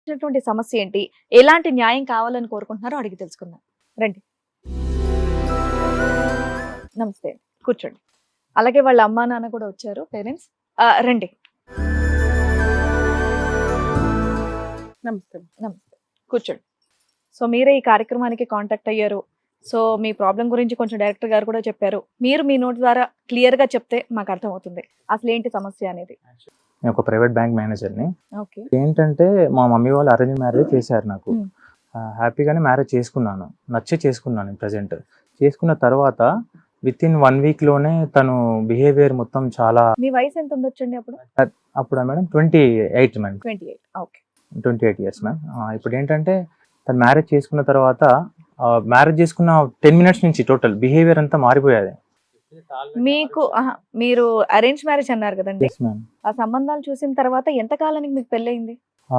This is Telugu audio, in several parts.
వచ్చినటువంటి సమస్య ఏంటి? ఎలాంటి న్యాయం కావాలని కోరుకుంటున్నారో అడిగి తెలుసుకుందాం. రండి. నమస్తే. కూర్చోండి. అలాగే వాళ్ళ అమ్మా, నాన్న కూడా వచ్చారు పేరెంట్స్. రండి. నమస్తే. నమస్తే. కూర్చోండి. సో మీరే ఈ కార్యక్రమానికి కాంటాక్ట్ అయ్యారు. సో మీ ప్రాబ్లం గురించి కొంచెం డైరెక్టర్ గారు కూడా చెప్పారు. మీరు మీ నోటి ద్వారా క్లియర్ గా చెప్తే మాకు అర్థమవుతుంది. అసలు ఏంటి సమస్య అనేది. నేను ఒక ప్రైవేట్ బ్యాంక్ మేనేజర్ని. ఓకే. ఏంటంటే మా మమ్మీ వాళ్ళు అరేంజ్ మ్యారేజ్ చేశారు నాకు. Hmm. హ్యాపీగానే మ్యారేజ్ చేసుకున్నాను, నచ్చే చేసుకున్నాను. ప్రజెంట్ చేసుకున్న తర్వాత విత్ ఇన్ 1 week లోనే తను బిహేవియర్ మొత్తం చాలా. మీ వయసు ఎంత ఉండొచ్చండి అప్పుడు? అప్పుడు madam 28 madam. 28. Okay. 28 years ma'am. ఇప్పుడు ఏంటంటే తను మ్యారేజ్ చేసుకున్న తర్వాత మ్యారేజ్ చేసుకున్న 10 minutes నుంచి టోటల్ బిహేవియర్ అంతా మారిపోయేది. మీకు మీరు అరేంజ్ మ్యారేజ్ అన్నారు కదండి. Yes ma'am. ఆ సంబంధాలు చూసిన తర్వాత ఎంత కాలానికి మీకు పెళ్ళయింది?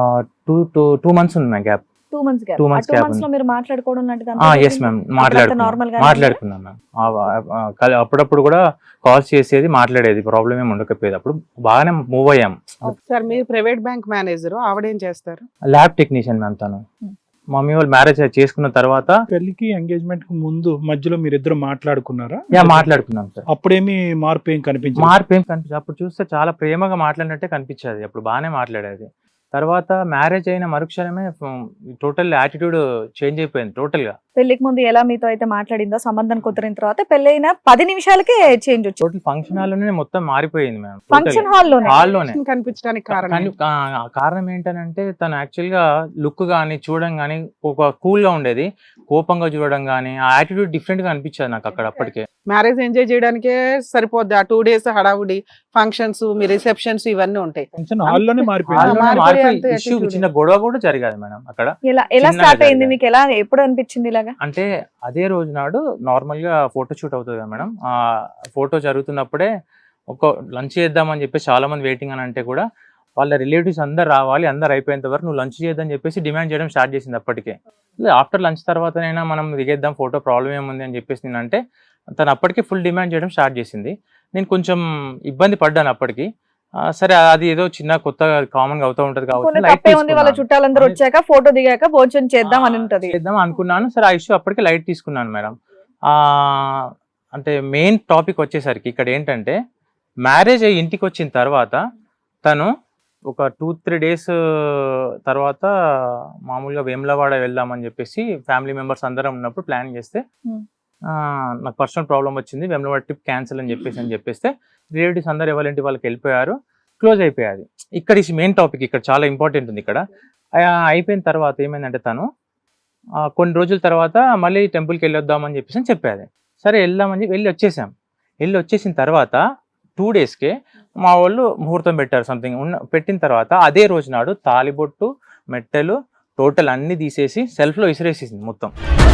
2 months ఉంది ma'am gap. 2 months gap. 2 months 2 gap months లో మీరు మాట్లాడుకోవడం లాంటిది ఎస్ మ్యామ్ మాట్లాడుకున్నాం మ్యామ్. అప్పుడప్పుడు కూడా కాల్స్ చేసేది, మాట్లాడేది, ప్రాబ్లం ఏమి ఉండకపోయేది. అప్పుడు బాగానే మూవ్ అయ్యాం. సార్ మీరు ప్రైవేట్ బ్యాంక్ మేనేజర్, ఆవిడేం చేస్తారు? ల్యాబ్ టెక్నీషియన్ మ్యామ్ తను. మమ్మీ వాళ్ళు మ్యారేజ్ చేసుకున్న తర్వాత పెళ్లికి ఎంగేజ్మెంట్ కు ముందు మధ్యలో మీరిద్దరు మాట్లాడుకున్నారా? మాట్లాడుకున్నాం సార్. అప్పుడేమి మార్పు ఏం కనిపించింది? మార్పు ఏం కనిపించదు. అప్పుడు చూస్తే చాలా ప్రేమగా మాట్లాడినట్టే కనిపించేది. అప్పుడు బాగానే మాట్లాడేది. తర్వాత మ్యారేజ్ అయిన మరుక్షణమే టోటల్ యాటిట్యూడ్ చేంజ్ అయిపోయింది టోటల్ గా. పెళ్లికి ముందు ఎలా మీతో అయితే మాట్లాడిందో సంబంధం కుదిరిన తర్వాత పెళ్ళైన 10 నిమిషాలకే చేంజ్ వచ్చింది. టోటల్ ఫంక్షన్ హాల్ లోనే మొత్తం మారిపోయింది మ్యామ్. ఫంక్షన్ హాల్లోనే కనిపించడానికి కారణం కారణం ఏంటంటే తను యాక్చువల్ గా లుక్ గానీ చూడడం గానీ ఒక కూల్ గా ఉండేది. కోపంగా చూడడం గానీ ఆ యాటిట్యూడ్ డిఫరెంట్ గా అనిపించేది నాకు అక్కడ అప్పటికే. మ్యారేజ్ ఎంజాయ్ చేయడానికే సరిపోద్ది. ఆ 2 days హడావుడి, ఫంక్షన్స్, మీ రిసెప్షన్స్ ఇవన్నీ ఉంటాయి. ఫంక్షన్ హాల్లోనే మారిపోయింది. ఇష్యూ చిన్న గొడవ కూడా జరిగేది మేడం అక్కడ. ఎలా చిన్నగా స్టార్ట్ అయింది జరిగాయి. మీకు? ఎలా ఎప్పుడు అనిపించింది ఇలాగా? అంటే అదే రోజు నాడు నార్మల్ గా ఫోటో షూట్ అవుతుంది కదా మేడం. ఆ ఫోటో జరుగుతున్నప్పుడే ఒక లంచ్ చేద్దామని చెప్పేసి చాలా మంది వెయిటింగ్ అని అంటే కూడా వాళ్ళ రిలేటివ్స్ అందరు రావాలి, అందరు అయిపోయేంత వరకు నువ్వు లంచ్ చేద్దని చెప్పేసి డిమాండ్ చేయడం స్టార్ట్ చేసింది అప్పటికే. ఆఫ్టర్ లంచ్ తర్వాతనైనా మనం దిగేద్దాం, ఫోటో ప్రాబ్లం ఏముంది అని చెప్పేసి నేనంటే తను అప్పటికే ఫుల్ డిమాండ్ చేయడం స్టార్ట్ చేసింది. నేను కొంచెం ఇబ్బంది పడ్డాను అప్పటికి. సరే అది ఏదో చిన్న కొత్త కామన్ గా అవుతూ ఉంటది ఉంది, వాళ్ళ చుట్టాలందరూ వచ్చాక ఫోటో దిగాక భోజనం చేద్దాం అని ఉంటది. చేద్దాం అనుకున్నాను. సరే ఆ ఇష్యూ అప్పటికే లైట్ తీసుకున్నాను మేడం. అంటే మెయిన్ టాపిక్ వచ్చేసరికి ఇక్కడ ఏంటంటే మ్యారేజ్ అయ్యి ఇంటికి వచ్చిన తర్వాత తను ఒక 2-3 days తర్వాత మామూలుగా వేములవాడ వెళ్దామని చెప్పేసి ఫ్యామిలీ మెంబర్స్ అందరం ఉన్నప్పుడు ప్లాన్ చేస్తే నాకు పర్సనల్ ప్రాబ్లం వచ్చింది, వేములవాడ ట్రిప్ క్యాన్సిల్ అని చెప్పేస్తే రిలేటివ్స్ అందరు ఎవరింటి వాళ్ళకి వెళ్ళిపోయారు, క్లోజ్ అయిపోయాది. ఇక్కడ ఈ మెయిన్ టాపిక్ ఇక్కడ చాలా ఇంపార్టెంట్ ఉంది. ఇక్కడ అయిపోయిన తర్వాత ఏమైందంటే తను కొన్ని రోజుల తర్వాత మళ్ళీ టెంపుల్కి వెళ్ళొద్దామని చెప్పేసి చెప్పేది. సరే వెళ్దామని వెళ్ళి వచ్చేసిన తర్వాత 2 daysకే మా వాళ్ళు ముహూర్తం పెట్టారు సంథింగ్. పెట్టిన తర్వాత అదే రోజు నాడు తాలిబొట్టు, మెట్టెలు టోటల్ అన్ని తీసేసి సెల్ఫ్లో విసిరేసేసింది మొత్తం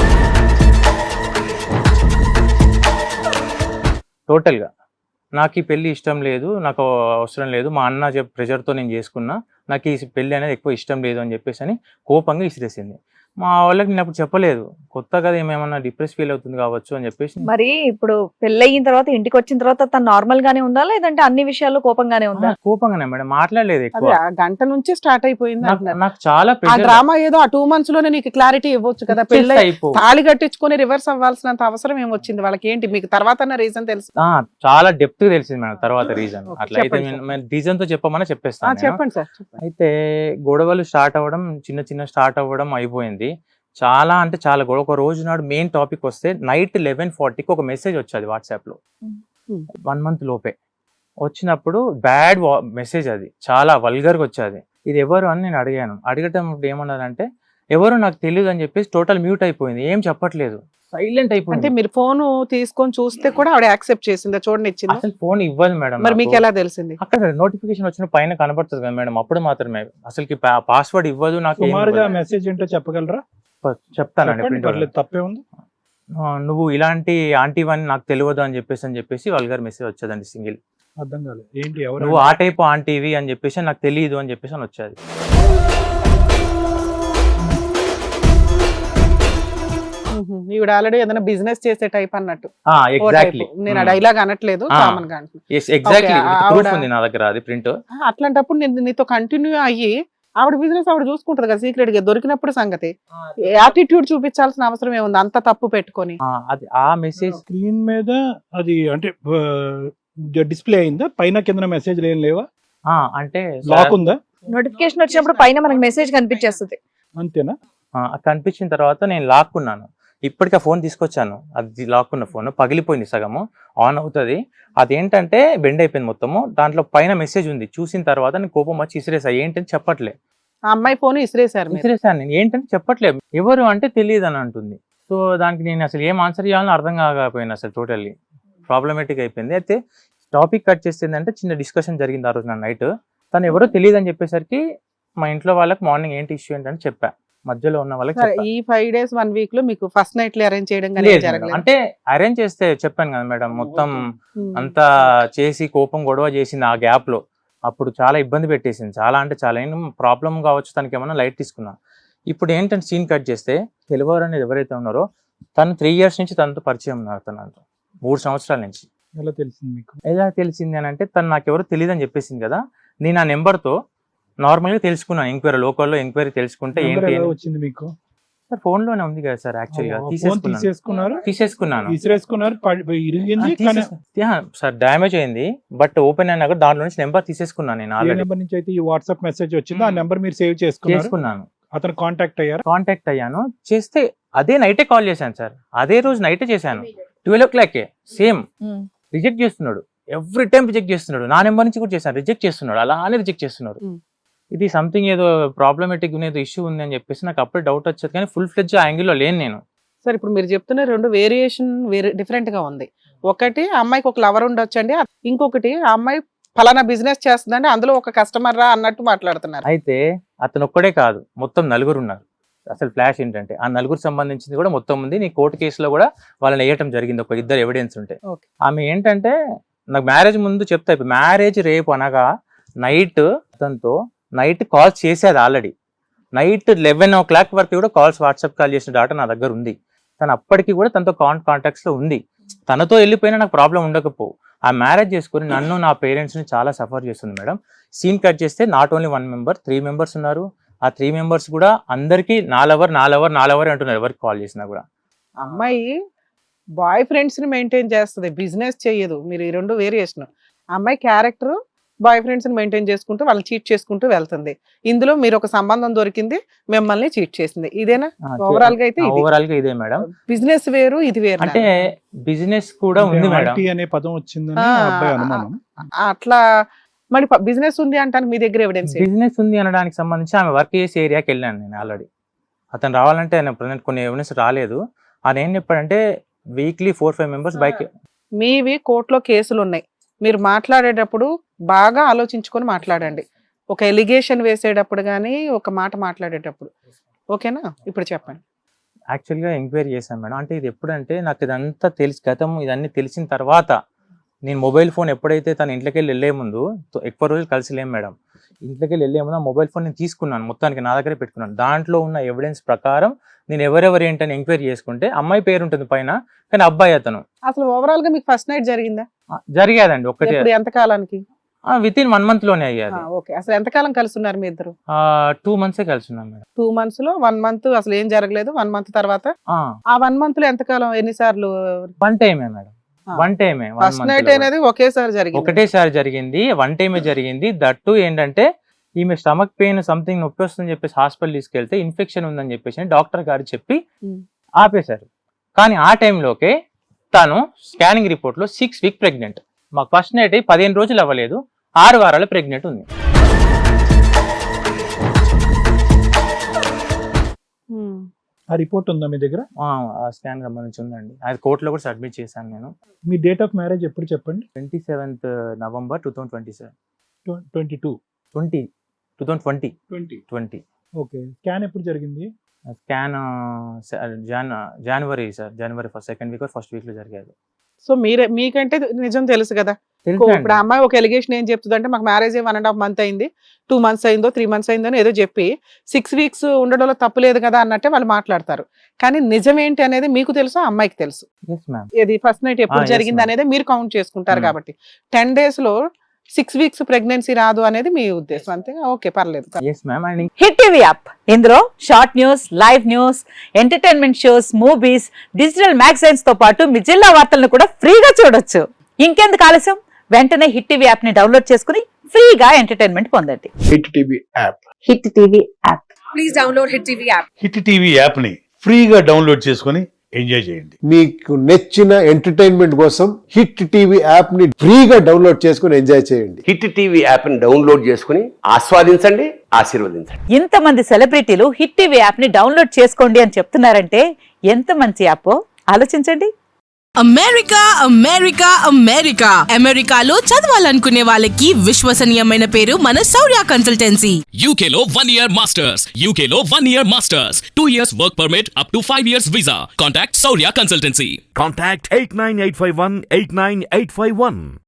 టోటల్గా. నాకు ఈ పెళ్లి ఇష్టం లేదు, నాకు అవసరం లేదు, మా అన్న ప్రెషర్తో నేను చేసుకున్నా, నాకు ఈ పెళ్లి అనేది ఎక్కువ ఇష్టం లేదు అని చెప్పేసి అని కోపంగా విసిరేసింది. మా వాళ్ళకి నేను అప్పుడు చెప్పలేదు, కొత్త కదా ఏమేమన్నా డిప్రెస్ ఫీల్ అవుతుంది కావచ్చు అని చెప్పేసి. మరి ఇప్పుడు పెళ్ళయిన తర్వాత ఇంటికి వచ్చిన తర్వాత తను నార్మల్ గానే ఉందా, లేదంటే అన్ని విషయాల్లో కోపంగానే ఉందా? కోపంగానే మేడం, మాట్లాడలేదు ఎక్కువ. గంట నుంచి స్టార్ట్ అయిపోయింది. నాకు చాలా డ్రామా ఏదో ఆ 2 months లోనే నీకు క్లారిటీ ఇవ్వచ్చు కదా. పెళ్ళి తాళి కట్టించుకొని రివర్స్ అవ్వాల్సినంత అవసరం ఏమొచ్చింది వాళ్ళకి? ఏంటి మీకు తర్వాత రీజన్ తెలుసు? చాలా డెప్త్ తెలిసింది మేడం తర్వాత రీజన్. అట్లా అయితే రీజన్ తో చెప్పమని చెప్పేస్తాను. చెప్పండి సార్. అయితే గొడవలు స్టార్ట్ అవ్వడం, చిన్న స్టార్ట్ అవ్వడం అయిపోయింది. చాలా అంటే చాలా గొడవ. ఒక రోజు నాడు మెయిన్ టాపిక్ వస్తే నైట్ 11:40కి ఒక మెసేజ్ వచ్చేది వాట్సాప్ లో. 1 month లోపే వచ్చినప్పుడు బ్యాడ్ మెసేజ్, అది చాలా వల్గర్గా వచ్చేది. ఇది ఎవరు అని నేను అడగటం ఏమన్నారంటే ఎవరు నాకు తెలియదు అని చెప్పేసి టోటల్ మ్యూట్ అయిపోయింది, ఏం చెప్పట్లేదు, సైలెంట్ అయిపోయింది. అంటే మీరు ఫోన్ తీసుకొని చూస్తే కూడా ఆవిడ యాక్సెప్ట్ చేసిందా? చూడండి ఇచ్చింది. అసలు ఫోన్ ఇవ్వదు మేడం. మరి మీకు ఎలా తెలిసింది? అక్కడ నోటిఫికేషన్ వచ్చిన పైన కనబడుతుంది కదా మేడం, అప్పుడు మాత్రమే. అసలుకి పాస్వర్డ్ ఇవ్వదు నాకు. మెసేజ్ ఏంటో చెప్పగలరా? చెప్తానండి. తప్పే ఉంది. నువ్వు ఇలాంటి ఆంటీవని నాకు తెలియదు అని చెప్పేసి వల్గర్ మెసేజ్ వచ్చేదండి. సింగిల్ అర్థం కాలేదు ఏంటి, ఎవరు నువ్వు ఆ టైప్ ఆంటీవి అని చెప్పేసి నాకు తెలియదు అని చెప్పేసి అని వచ్చేది. ఈవిడ ఆల్రెడీ ఏదైనా బిజినెస్ చేసే టైప్ అన్నట్టు. ఎగ్జాక్ట్లీ, నేను డైలాగ్ అనట్లేదు, కామన్ గా ఎగ్జాక్ట్లీ ప్రూఫ్ ఉంది నా దగ్గర, అది ప్రింట్. అట్లాంటప్పుడు నేను నీతో కంటిన్యూ అయ్యి ఆవిడ బిజినెస్ ఆవిడ చూసుకుంటది కదా సీక్రెట్ గా, దొరికినప్పుడు సంగతి. యాటిట్యూడ్ చూపించాల్సిన అవసరం ఏముంది అంత తప్పు పెట్టుకొని? అది ఆ మెసేజ్ స్క్రీన్ మీద అది అంటే డిస్ప్లే అయిందా? పైన కింద మెసేజ్ ఏం లేవా? అంటే లాక్ ఉందా? నోటిఫికేషన్ వచ్చినప్పుడు పైన మనకి మెసేజ్ కనిపించేస్తుంది. అంతేనా? కనిపించిన తర్వాత నేను లాక్కున్నాను. ఇప్పటికి ఆ ఫోన్ తీసుకొచ్చాను, అది లాక్కున్న ఫోన్ పగిలిపోయింది, సగము ఆన్ అవుతుంది. అదేంటంటే బెండ్ అయిపోయింది మొత్తము. దాంట్లో పైన మెసేజ్ ఉంది. చూసిన తర్వాత నేను కోపం వచ్చి ఇసిరేసా. ఏంటని చెప్పట్లే. ఆ అమ్మాయి ఫోన్ ఇసిరేశారు మీరు. ఇసిరేసాను నేను. ఏంటంటే చెప్పట్లేదు, ఎవరు అంటే తెలియదు అని అంటుంది. సో దానికి నేను అసలు ఏం ఆన్సర్ చేయాలని అర్థం కాకపోయింది. అసలు టోటల్లీ ప్రాబ్లమేటిక్ అయిపోయింది. అయితే టాపిక్ కట్ చేసిందంటే చిన్న డిస్కషన్ జరిగింది ఆ రోజు నా నైట్. తను ఎవరో తెలియదు అని చెప్పేసరికి మా ఇంట్లో వాళ్ళకి మార్నింగ్ ఏంటి ఇష్యూ ఏంటని చెప్పా. మధ్యలో ఉన్న వాళ్ళకి సరే, చెప్పా. ఈ 5 days 1 week లో మీకు ఫస్ట్ నైట్ అరేంజ్ చేయడం కానీ లేదు మేడం. జరగలేదు? అంటే అరేంజ్ చేస్తే చెప్పాను కదా మేడం, మొత్తం అంతా చేసి కోపం గొడవ చేసింది ఆ గ్యాప్ లో. అప్పుడు చాలా ఇబ్బంది పెట్టేసింది. చాలా అంటే చాలా ప్రాబ్లం కావచ్చు, తనకి ఏమన్నా లైట్ తీసుకున్నా. ఇప్పుడు ఏంటంటే సీన్ కట్ చేస్తే తెలివారు అనేది ఎవరైతే ఉన్నారో తను 3 years నుంచి తనతో పరిచయం ఉన్నారు. తనతో 3 సంవత్సరాల నుంచి. ఎలా తెలిసింది మీకు? ఎలా తెలిసింది అని అంటే తను నాకెవరో తెలియదు అని చెప్పేసింది కదా. నేను ఆ నెంబర్తో నార్మల్గా తెలుసుకున్నాను. ఎంక్వైరీ లోకల్లో ఎంక్వైరీ తెలుసుకుంటే నెంబర్ ఏంటి ఎలా వచ్చింది మీకు? సార్ ఫోన్ లోనే ఉంది కదా సార్. యాక్చువల్గా ఫోన్ తీసేసుకున్నారు, తీసేసుకున్నాను ఇరిగింది కానీ సార్, డ్యామేజ్ అయింది. బట్ ఓపెన్ అయినా కూడా దాంట్లో నుంచి నెంబర్ తీసేసుకున్నాను నేను ఏ ఆల్రెడీ. నెంబర్ నుంచి అయితే ఈ వాట్సాప్ మెసేజ్ వచ్చిందో ఆ నెంబర్ మీరు సేవ్ చేసుకున్నాను. అతను కాంటాక్ట్ అయ్యారు. కాంటాక్ట్ అయ్యాను. చేస్తే అదే నైటే కాల్ చేశాను సార్. అదే రోజు నైటే చేశాను 12 o'clock. సేమ్ రిజెక్ట్ చేస్తున్నాడు. ఎవ్రీ టైం రిజెక్ట్ చేస్తున్నాడు. నా నెంబర్ నుంచి కూడా చేశాను, రిజెక్ట్ చేస్తున్నాడు. అలానే రిజెక్ట్ చేస్తున్నాడు. ఇది సంథింగ్ ఏదో ప్రాబ్లమేటిక్ ఏదో ఇష్యూ ఉంది అని చెప్పేసి నాకు అప్పుడే డౌట్ వచ్చేది. కానీ ఫుల్ ఫ్లెడ్జ్ ఆ యాంగిల్లో లేను నేను. సార్, ఇప్పుడు మీరు చెప్తున్న 2 వేరియేషన్ డిఫరెంట్ గా ఉంది. ఒకటి ఆ అమ్మాయికి ఒక లవర్ ఉండొచ్చండి, ఇంకొకటి ఆ అమ్మాయి ఫలానా బిజినెస్ చేస్తుందండి, అందులో ఒక కస్టమర్ రా అన్నట్టు మాట్లాడుతున్నారు. అయితే అతను ఒక్కడే కాదు, మొత్తం 4 ఉన్నారు. అసలు ఫ్లాష్ ఏంటంటే ఆ 4 సంబంధించింది కూడా మొత్తం ఉంది. నీ కోర్టు కేసులో కూడా వాళ్ళని వేయటం జరిగింది, ఒక 2 ఎవిడెన్స్ ఉంటే. Okay. ఆమె ఏంటంటే నాకు మ్యారేజ్ ముందు చెప్తా, మ్యారేజ్ రేపు అనగా నైట్ అతనితో నైట్ కాల్స్ చేసేది. ఆల్రెడీ నైట్ 11 o'clock వరకు కూడా కాల్స్, వాట్సాప్ కాల్ చేసిన డాటా నా దగ్గర ఉంది. తను అప్పటికి కూడా తనతో కాంటాక్ట్స్ లో ఉంది. తనతో వెళ్ళిపోయినా నాకు ప్రాబ్లం ఉండకపో. ఆ మ్యారేజ్ చేసుకుని నన్ను నా పేరెంట్స్ ని చాలా సఫర్ చేస్తుంది మేడం. సీన్ కట్ చేస్తే నాట్ ఓన్లీ 1 member, 3 members ఉన్నారు. ఆ 3 members కూడా అందరికి నా లవర్ అంటున్నారు ఎవరికి కాల్ చేసినా కూడా. అమ్మాయి బాయ్ ఫ్రెండ్స్ ని మెయింటైన్ చేస్తుంది, బిజినెస్ చెయ్యదు. మీరు ఈ 2 వేరియేషన్. అమ్మాయి క్యారెక్టర్ బాయ్ ఫ్రెండ్స్ ని మెయింటైన్ చేసుకుంటూ వాళ్ళని చీట్ చేసుకుంటూ వెళ్తుంది. ఇందులో మీరు ఒక సంబంధం దొరికింది, మిమ్మల్ని చీట్ చేసింది. ఇదేనా ఓవరాల్ గా? అయితే ఓవరాల్ గా ఇదే మేడం. బిజినెస్ వేరు, ఇది వేరు. అంటే బిజినెస్ కూడా ఉంది మేడం. ఆర్టీ అనే పదం వచ్చిందని ఆ అబ్బాయి అనుమానం. అట్లా మరి బిజినెస్ ఉంది అంటాను మీ దగ్గర ఎవిడెన్స్? బిజినెస్ ఉంది అనడానికి సంబంధించి ఆమె వర్క్ చేసే ఏరియాకి వెళ్ళాను నేను ఆల్రెడీ. అతను రావాలంటే ఆయన ప్రజెంట్ కొన్ని ఎవిడెన్స్ రాలేదు. ఆయన ఏం చెప్పాడంటే వీక్లీ 4-5 members బైక్. మీవి కోర్టులో కేసులు ఉన్నాయి. మీరు మాట్లాడేటప్పుడు బాగా ఆలోచించుకొని మాట్లాడండి. ఒక ఎలిగేషన్ వేసేటప్పుడు కానీ ఒక మాట మాట్లాడేటప్పుడు. ఓకేనా? ఇప్పుడు చెప్పండి. యాక్చువల్గా ఎంక్వైరీ చేశాను మేడం. అంటే ఇది ఎప్పుడంటే నాకు ఇదంతా తెలిసి గతం ఇదన్నీ తెలిసిన తర్వాత నేను మొబైల్ ఫోన్ ఎప్పుడైతే తన ఇంట్లోకి వెళ్ళే ముందు, ఎక్కువ రోజులు కలిసి లేము మేడం, ఇంట్లోకి వెళ్ళే ముందు ఆ మొబైల్ ఫోన్ నేను తీసుకున్నాను, మొత్తానికి నా దగ్గరే పెట్టుకున్నాను. దాంట్లో ఉన్న ఎవిడెన్స్ ప్రకారం నేను ఎవరెవరు ఏంటని ఎంక్వైరీ చేసుకుంటే అమ్మాయి పేరు ఉంటుంది పైన, కానీ అబ్బాయి అతను. అసలు ఓవరాల్ గా మీకు ఫస్ట్ నైట్ జరిగిందా? జరిగేదండి ఒకటి. ఎంత కాలానికి? వితిన్ 1 month లోనే అయ్యాది. ఓకే. అసలు ఎంత కాలం కలిసి ఉన్నారు మీ ఇద్దరు? 2 months కలిసి ఉన్నాం మేడం. 2 months లో 1 month అసలు ఏం జరగలేదు. 1 month తర్వాత ఆ 1 month లో ఎంత కాలం, ఎన్నిసార్లు? 1 time madam. 1 time. First night అనేది ఒకేసారి జరిగింది? ఒకటేసారి జరిగింది. 1 time జరిగింది. దట్టు ఏంటంటే ఈమె స్టమక్ పెయిన్ సంథింగ్ నొప్పి వస్తుందని చెప్పేసి హాస్పిటల్ తీసుకెళ్తే ఇన్ఫెక్షన్ ఉందని చెప్పేసి డాక్టర్ గారు చెప్పి ఆపేశారు. కానీ ఆ టైంలోకే తను స్కానింగ్ రిపోర్ట్ లో 6 weeks ప్రెగ్నెంట్. మాకు ఫస్ట్ నైట్ 15 రోజులు అవ్వలేదు, 6 వారాలు ప్రెగ్నెంట్ ఉంది. ఆ రిపోర్ట్ ఉందా మీ దగ్గర? స్కాన్ సంబంధించి ఉందండి. అది కోర్టులో కూడా సబ్మిట్ చేశాను నేను. మీ డేట్ ఆఫ్ మ్యారేజ్ ఎప్పుడు చెప్పండి? 27th November 2027. 2020. ఓకే. స్కాన్ ఎప్పుడు జరిగింది? స్కాన్ జనవరి సార్, జనవరి 2nd week or 1st week లో జరిగేది. సో మీకంటే నిజం తెలుసు కదా. ఇప్పుడు ఆ అమ్మాయి ఒక ఎలిగేషన్ ఏం చెప్తుంది అంటే, మాకు మ్యారేజ్ 1.5 month అయింది, 2 months అయిందో 3 months అయిందో ఏదో చెప్పి 6 weeks ఉండడంలో తప్పు లేదు కదా అన్నట్టే వాళ్ళు మాట్లాడతారు. కానీ నిజం ఏంటి అనేది మీకు తెలుసు, ఆ అమ్మాయికి తెలుసు. ఇది ఫస్ట్ నైట్ ఎప్పుడు జరిగింది అనేది మీరు కౌంట్ చేసుకుంటారు. కాబట్టి 10 days లో 6 వీక్స్ ప్రెగ్నెన్సీ రాదు అనేది మీ ఉద్దేశం అంతే. ఓకే, పర్లేదు. Yes ma'am. And hit TV app ఇందులో short news, live news, entertainment shows, movies, digital magazines తో పాటు మీ జిల్లా వార్తలను కూడా ఫ్రీగా చూడొచ్చు. ఇంకెందుకు ఆలస్యం, వెంటనే హిట్ టీవీ యాప్ ని డౌన్లోడ్ చేసుకుని ఫ్రీగా ఎంటర్టైన్మెంట్ పొందండి. Hit TV app. Hit TV app. Hit TV యాప్ని ఫ్రీగా డౌన్లోడ్ చేసుకొని ఎంజాయ్ చేయండి. మీకు నచ్చిన ఎంటర్టైన్మెంట్ కోసం హిట్ టీవీ యాప్ ని ఫ్రీగా డౌన్లోడ్ చేసుకుని ఎంజాయ్ చేయండి. హిట్ టీవీ యాప్ని డౌన్లోడ్ చేసుకుని ఆస్వాదించండి, ఆశీర్వదించండి. ఇంతమంది సెలబ్రిటీలు హిట్ టీవీ యాప్ ని డౌన్లోడ్ చేసుకోండి అని చెప్తున్నారంటే ఎంత మంచి యాప్ ఆలోచించండి. అమెరికా అమెరికా అమెరికా అమెరికాలో చదవాలనుకునే వాళ్ళకి విశ్వసనీయమైన పేరు మన శౌర్య కన్సల్టెన్సీ. UK లో 1 year masters. UK లో 1 year masters. 2 years work permit up to 5 years visa. Contact Saurya Consultancy. Contact 89851 89851.